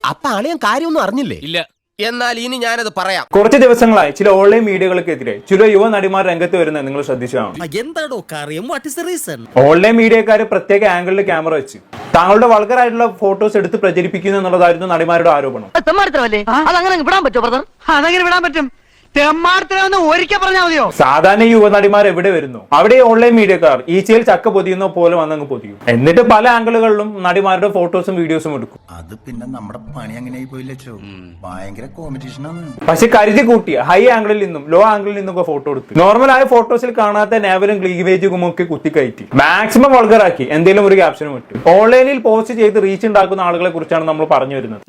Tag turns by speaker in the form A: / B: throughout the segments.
A: അപ്പൊ അളിയൻ കാര്യമൊന്നും അറിഞ്ഞില്ലേ?
B: ഇല്ല.
A: എന്നാൽ ഇനി ഞാനത് പറയാം.
C: കുറച്ച് ദിവസങ്ങളായി ചില ഓൺലൈൻ മീഡിയകൾക്കെതിരെ ചില യുവ നടിമാർ രംഗത്ത് വരുന്നത് നിങ്ങൾ ശ്രദ്ധിച്ചതാണ്.
D: എന്താണോ കാര്യം? What is the reason?
C: Online മീഡിയക്കാർ പ്രത്യേക ആംഗിളിൽ ക്യാമറ വെച്ച് താങ്കളുടെ വൾഗറായിട്ടുള്ള ഫോട്ടോസ് എടുത്ത് പ്രചരിപ്പിക്കുന്നു എന്നുള്ളതായിരുന്നു നടിമാരുടെ ആരോപണം.
E: അതങ്ങനെ വിടാൻ പറ്റുമോ ബ്രദർ? അതങ്ങനെ വിടാൻ പറ്റും. ഒരിക്കൽ പറഞ്ഞാൽ മതിയോ?
C: സാധാരണ യുവ നടിമാർ എവിടെ വരുന്നു അവിടെ ഓൺലൈൻ മീഡിയക്കാർ ഈച്ചയിൽ ചക്ക പൊതിയുന്ന പോലെ വന്നങ്ങ് പൊതിയും. എന്നിട്ട് പല ആംഗിളുകളിലും നടിമാരുടെ ഫോട്ടോസും വീഡിയോസും എടുക്കും.
F: അത് പിന്നെ നമ്മുടെ പണി അങ്ങനെ പോയില്ലോ, ഭയങ്കര കോമ്പറ്റീഷനാണ്.
C: പക്ഷെ കരുതി കൂട്ടി ഹൈ ആംഗിളിൽ നിന്നും ലോ ആംഗിളിൽ നിന്നൊക്കെ ഫോട്ടോ എടുത്തു നോർമൽ ആയ ഫോട്ടോസിൽ കാണാത്ത നേവലും ക്ലീവേജും ഒക്കെ കുത്തിക്കയറ്റി മാക്സിമം വൾഗറാക്കി എന്തെങ്കിലും ഒരു ക്യാപ്ഷനും ഇട്ടു. ഓൺലൈനിൽ പോസ്റ്റ് ചെയ്ത് റീച്ച് ഉണ്ടാക്കുന്ന ആളുകളെ കുറിച്ചാണ് നമ്മൾ പറഞ്ഞു വരുന്നത്.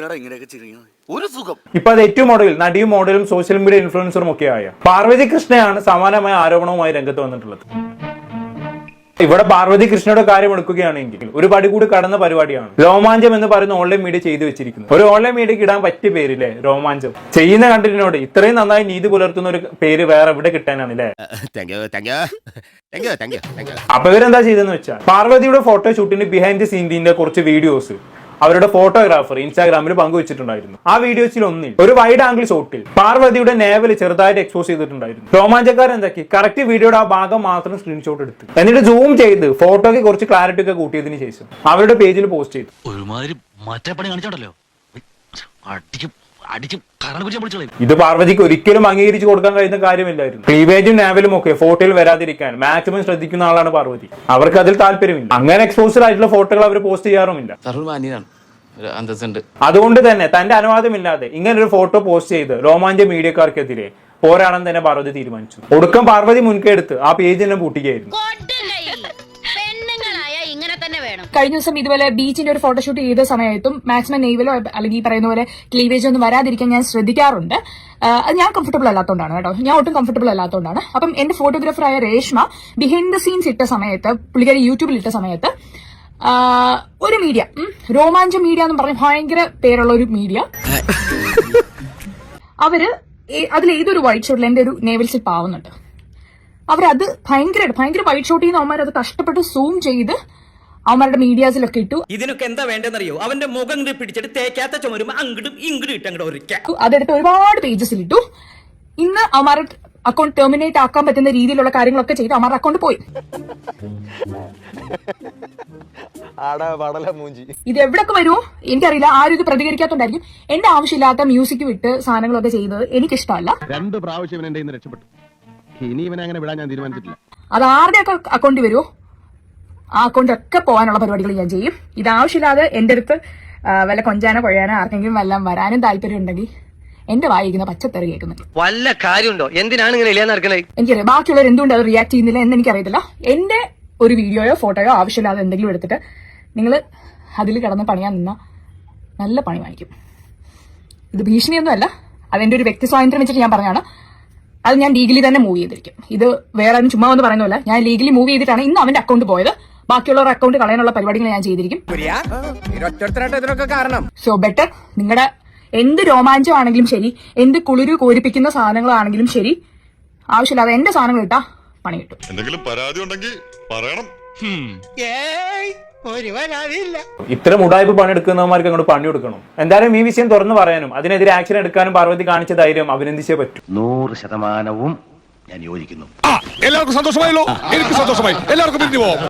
C: ഇപ്പൊ അത് ഏറ്റവും മോഡൽ നടിയും മോഡലും സോഷ്യൽ മീഡിയ ഇൻഫ്ലുവൻസറും ഒക്കെ ആയ പാർവതി കൃഷ്ണയാണ് സമാനമായ ആരോപണവുമായി രംഗത്ത് വന്നിട്ടുള്ളത്. ഇവിടെ പാർവതി കൃഷ്ണയുടെ കാര്യം എടുക്കുകയാണെങ്കിൽ ഒരു പടി കൂടി കടന്ന പരിപാടിയാണ് രോമാഞ്ചം എന്ന് പറയുന്ന ഓൺലൈൻ മീഡിയ ചെയ്തു വെച്ചിരിക്കുന്നത്. ഒരു ഓൺലൈൻ മീഡിയക്ക് ഇടാൻ പറ്റിയ പേരില്ലേ രോമാഞ്ചം. ചെയ്യുന്ന കണ്ടന്റിനോട് ഇത്രയും നന്നായി നീതി പുലർത്തുന്ന ഒരു പേര് വേറെ എവിടെ കിട്ടാനാണ് അല്ലേ? അപ്പൊ ഇവരെന്താ ചെയ്തെന്ന് വെച്ചാൽ പാർവതിയുടെ ഫോട്ടോ ഷൂട്ടിന് ബിഹൈൻഡ് ദി സീനിന്റെ കുറച്ച് വീഡിയോസ് അവരുടെ ഫോട്ടോഗ്രാഫർ ഇൻസ്റ്റാഗ്രാമിൽ പങ്കുവച്ചിട്ടുണ്ടായിരുന്നു. ആ വീഡിയോസിൽ ഒന്നിൽ ഒരു വൈഡ് ആംഗിൾ ഷോട്ടിൽ പാർവതിയുടെ നേവൽ ചെറുതായിട്ട് എക്സ്പോസ് ചെയ്തിട്ടുണ്ടായിരുന്നു. രോമാഞ്ചക്കാരൻ എന്താക്കി കറക്റ്റ് വീഡിയോയുടെ ആ ഭാഗം മാത്രം സ്ക്രീൻഷോട്ട് എടുത്ത് എന്നിട്ട് സൂം ചെയ്ത് ഫോട്ടോയ്ക്ക് കുറച്ച് ക്ലാരിറ്റി ഒക്കെ കൂട്ടിയതിനു ശേഷം അവരുടെ പേജിൽ പോസ്റ്റ് ചെയ്തു. ഇത് പാർവതിക്ക് ഒരിക്കലും അംഗീകരിച്ചു കൊടുക്കാൻ കഴിയുന്ന കാര്യമില്ലായിരുന്നു. ക്ലീവേജും നാവലും ഒക്കെ ഫോട്ടോയിൽ വരാതിരിക്കാൻ മാക്സിമം ശ്രദ്ധിക്കുന്ന ആളാണ് പാർവതി. അവർക്ക് അതിൽ താല്പര്യമില്ല. അങ്ങനെ എക്സ്പോസ്ഡ് ആയിട്ടുള്ള ഫോട്ടോകൾ അവർ പോസ്റ്റ് ചെയ്യാറുമില്ല. അതുകൊണ്ട് തന്നെ തന്റെ അനുവാദമില്ലാതെ ഇങ്ങനെ ഒരു ഫോട്ടോ പോസ്റ്റ് ചെയ്ത് രോമാഞ്ച മീഡിയക്കാർക്കെതിരെ പോരാടാൻ തന്നെ പാർവതി തീരുമാനിച്ചു. ഒടുക്കം പാർവതി മുൻകൈ എടുത്ത് ആ പേജ് തന്നെ പൂട്ടിക്കുകയായിരുന്നു.
G: കഴിഞ്ഞ ദിവസം ഇതുപോലെ ബീച്ചിന്റെ ഒരു ഫോട്ടോഷൂട്ട് ചെയ്ത സമയത്തും മാക്സിമം നെയ്വലോ അല്ലെങ്കിൽ ഈ പറയുന്ന പോലെ ക്ലീവേജോ ഒന്നും വരാതിരിക്കാൻ ഞാൻ ശ്രദ്ധിക്കാറുണ്ട്. അത് ഞാൻ കംഫർട്ടബിൾ അല്ലാത്തതുകൊണ്ടാണ് കേട്ടോ. ഞാൻ ഒട്ടും കംഫർട്ടബിൾ അല്ലാത്തതുകൊണ്ടാണ്. അപ്പം എന്റെ ഫോട്ടോഗ്രാഫറായ രേഷ്മ ബിഹൈൻഡ് ദ സീൻസ് ഇട്ട സമയത്ത് പുള്ളിക്കാരി യൂട്യൂബിൽ ഇട്ട സമയത്ത് ഒരു മീഡിയ രോമാഞ്ചം മീഡിയ എന്ന് പറഞ്ഞ ഭയങ്കര പേരുള്ള ഒരു മീഡിയ അവര് അതിൽ ഏതൊരു വൈറ്റ് ഷോട്ടിൽ എന്റെ ഒരു നേവൽ സ്ലിപ്പ് ആവുന്നുണ്ട്. അവരത് ഭയങ്കര വൈറ്റ് ഷോട്ട് ചെയ്യുന്ന അവന്മാർ അത് കഷ്ടപ്പെട്ട് സൂം ചെയ്ത് അവന്മാരുടെ മീഡിയാസിലൊക്കെ ഇട്ടു.
D: ഇതിനൊക്കെ എന്താ വേണ്ടെന്നറിയോ? അവന്റെ മുഖം പിടിച്ചിട്ട് തേക്കാത്ത ചുമരുമ്പോ അങ്ങോട്ടും ഇങ്ങോട്ടും ഇട്ടങ്ങോട്ട്
G: അതെടുത്ത് ഒരുപാട് പേജസിൽ ഇട്ടു. ഇന്ന് അവന്മാരുടെ അക്കൗണ്ട് ടെർമിനേറ്റ് ആക്കാൻ പറ്റുന്ന രീതിയിലുള്ള കാര്യങ്ങളൊക്കെ ചെയ്ത് അവന്മാരുടെ അക്കൗണ്ട് പോയി. ഇത് എവിടൊക്കെ വരുമോ എനിക്കറിയില്ല. ആരും ഇത് പ്രതികരിക്കാത്തോണ്ടായിരിക്കും. എന്റെ ആവശ്യമില്ലാത്ത മ്യൂസിക് വിട്ട് സാധനങ്ങളൊക്കെ ചെയ്തത് എനിക്കിഷ്ടമല്ല.
H: 2 പ്രാവശ്യം എന്റെ രക്ഷപ്പെട്ടു. ഇനി ഇവനെ അങ്ങനെ വിടാൻ ഞാൻ തീരുമാനിച്ചിട്ടില്ല.
G: അത് ആരുടെ ഒക്കെ അക്കൗണ്ടിൽ വരുമോ ആ അക്കൗണ്ട് ഒക്കെ പോകാനുള്ള പരിപാടികൾ ഞാൻ ചെയ്യും. ഇത് ആവശ്യമില്ലാതെ എന്റെ അടുത്ത് വല്ല കൊഞ്ചാനോ കൊഴയാനോ ആർക്കെങ്കിലും വല്ലതും വരാനും താല്പര്യം ഉണ്ടെങ്കിൽ എന്റെ വായിക്കുന്ന പച്ചത്തെറി കേൾക്കുന്നുണ്ട്.
E: വല്ല കാര്യമുണ്ടോ? എന്തിനാണ് ഇങ്ങനെ ഇല്ലാന്ന് നടക്കുന്നത്?
G: എനിക്കറിയാം ബാക്കിയുള്ളവർ എന്തുകൊണ്ട് അത് റിയാക്ട് ചെയ്യുന്നില്ല എന്ന് എനിക്കറിയത്തില്ല. എന്റെ ഒരു വീഡിയോയോ ഫോട്ടോയോ ആവശ്യമില്ലാതെ എന്തെങ്കിലും എടുത്തിട്ട് നിങ്ങൾ അതിൽ കിടന്ന് പണിയാൻ നിന്നാ നല്ല പണി വാങ്ങിക്കും. ഇത് ഭീഷണിയൊന്നും അല്ല. അതെന്റെ ഒരു വ്യക്തി സ്വാതന്ത്ര്യം വെച്ചിട്ട് ഞാൻ പറഞ്ഞാണ്. അത് ഞാൻ ലീഗലി തന്നെ മൂവ് ചെയ്തിരിക്കും. ഇത് വേറെ ആരും ചുമ്മാ ഒന്ന് പറയുന്നില്ല. ഞാൻ ലീഗലി മൂവ് ചെയ്തിട്ടാണ് ഇന്ന് അവന്റെ അക്കൗണ്ട് പോയത്. ബാക്കിയുള്ളവരുടെ അക്കൗണ്ട് കളയാനുള്ള പരിപാടികൾ ഞാൻ ചെയ്തിരിക്കും. സോ ബെറ്റർ നിങ്ങളുടെ എന്ത് രോമാഞ്ചമാണെങ്കിലും ശരി, എന്ത് കുളിരു കോരിപ്പിക്കുന്ന സാധനങ്ങളാണെങ്കിലും ശരി, ആവശ്യമില്ലാതെ എന്റെ സാധനങ്ങൾ ഇട്ടാ പണി കിട്ടും.
I: എന്തെങ്കിലും പരാതി ഉണ്ടെങ്കിൽ പറയണം.
C: ഇത്തരം ഉടായ്പ പണിയെടുക്കുന്നവന്മാർക്ക് അങ്ങോട്ട് പണി കൊടുക്കണം. എന്തായാലും ഈ വിഷയം തുറന്നു പറയാനും അതിനെതിരെ ആക്ഷൻ എടുക്കാനും പാർവതി കാണിച്ച ധൈര്യം അഭിനന്ദിച്ചേ പറ്റൂ.
H: 100% ഞാൻ യോജിക്കുന്നു.
I: എല്ലാവർക്കും സന്തോഷമായല്ലോ. എനിക്ക് സന്തോഷമായി. എല്ലാവർക്കും പിരിഞ്ഞു പോവാം.